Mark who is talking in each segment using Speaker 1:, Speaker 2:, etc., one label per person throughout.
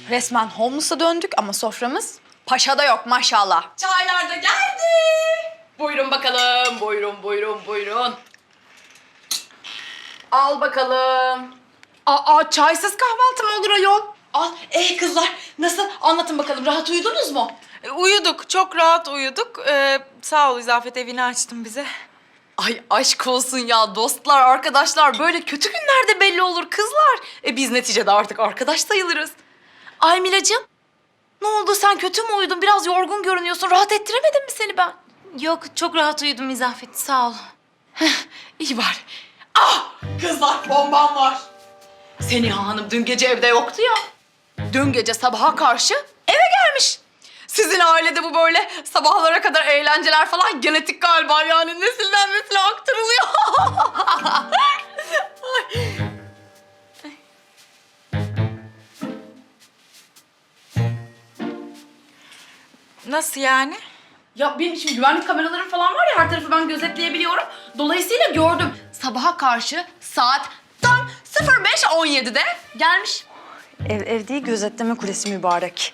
Speaker 1: Resmen homeless'a döndük ama soframız paşada yok maşallah.
Speaker 2: Çaylar da geldi. Buyurun bakalım. Buyurun. Al bakalım.
Speaker 1: Aa çaysız kahvaltı mı olur ayol?
Speaker 2: Al. Kızlar nasıl? Anlatın bakalım. Rahat uyudunuz mu?
Speaker 3: Uyuduk, çok rahat uyuduk. Sağ ol İzafet, evini açtın bize.
Speaker 2: Ay aşk olsun ya dostlar, arkadaşlar. Böyle kötü günlerde belli olur kızlar. Biz neticede artık arkadaş sayılırız. Ay Milacığım. Ne oldu? Sen kötü mü uyudun? Biraz yorgun görünüyorsun. Rahat ettiremedim mi seni ben?
Speaker 3: Yok, çok rahat uyudum İzafet, sağ ol.
Speaker 2: İyi var. Ah! Kızlar bombam var. Seniha Hanım dün gece evde yoktu ya. Dün gece sabaha karşı eve gelmiş. Sizin ailede bu böyle sabahlara kadar eğlenceler falan genetik galiba, yani nesilden nesile aktarılıyor.
Speaker 3: Nasıl yani?
Speaker 2: Ya benim şimdi güvenlik kameraları falan var ya, her tarafı ben gözetleyebiliyorum. Dolayısıyla gördüm. Sabaha karşı saat tam 05:17'de gelmiş.
Speaker 1: Ev değil gözetleme kulesi mübarek.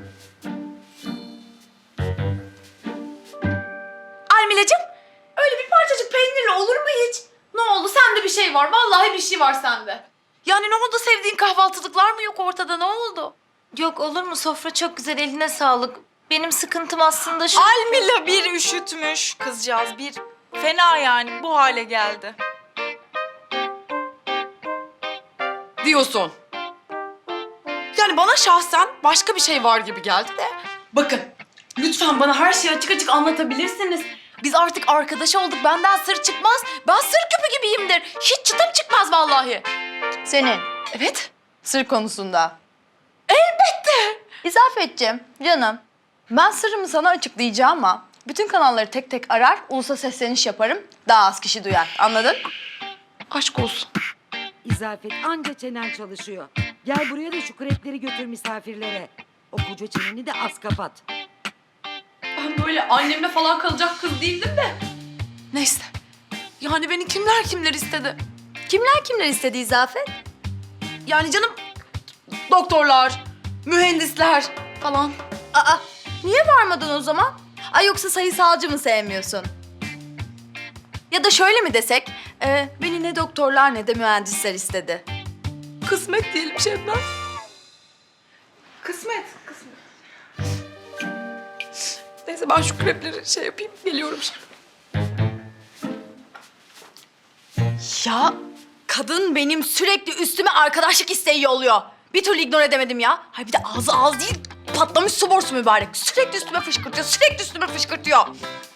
Speaker 2: Almilacığım, öyle bir parçacık peynirle olur mu hiç? Ne oldu? Sende bir şey var. Vallahi bir şey var sende. Yani ne oldu? Sevdiğin kahvaltılıklar mı yok ortada? Ne oldu?
Speaker 3: Yok, olur mu? Sofra çok güzel, eline sağlık. Benim sıkıntım aslında şu...
Speaker 4: Almila bir üşütmüş kızcağız, bir fena yani bu hale geldi.
Speaker 2: Diyorsun. Yani bana şahsen başka bir şey var gibi geldi de. Bakın, lütfen bana her şeyi açık açık anlatabilirsiniz. Biz artık arkadaş olduk. Benden sır çıkmaz. Ben sır küpü gibiyimdir. Hiç çıtım çıkmaz vallahi.
Speaker 1: Senin
Speaker 2: Evet.
Speaker 1: sır konusunda.
Speaker 2: Elbette.
Speaker 1: İzafetciğim, canım. Ben sırrımı sana açıklayacağım ama bütün kanalları tek tek arar, ulusa sesleniş yaparım. Daha az kişi duyar. Anladın?
Speaker 2: Aşk olsun.
Speaker 5: İzafet anca çenen çalışıyor. Gel buraya da şu krepleri götür misafirlere. O koca çeneni de az kapat.
Speaker 2: Ben böyle annemle falan kalacak kız değildim de. Neyse. Yani beni kimler istedi?
Speaker 1: Kimler istedi İzafet?
Speaker 2: Yani canım, doktorlar, mühendisler falan.
Speaker 1: Aa, niye varmadın o zaman? Ay yoksa sayısalcı mı sevmiyorsun? Ya da şöyle mi desek, beni ne doktorlar ne de mühendisler istedi.
Speaker 2: Kısmet diyelim Şebnem.
Speaker 4: Kısmet.
Speaker 2: Neyse ben şu krepleri şey yapayım, geliyorum şimdi.
Speaker 1: Ya kadın benim sürekli üstüme arkadaşlık isteği yolluyor. Bir türlü ignore edemedim ya. Hay bir de ağzı değil, patlamış su borusu mübarek. Sürekli üstüme fışkırtıyor.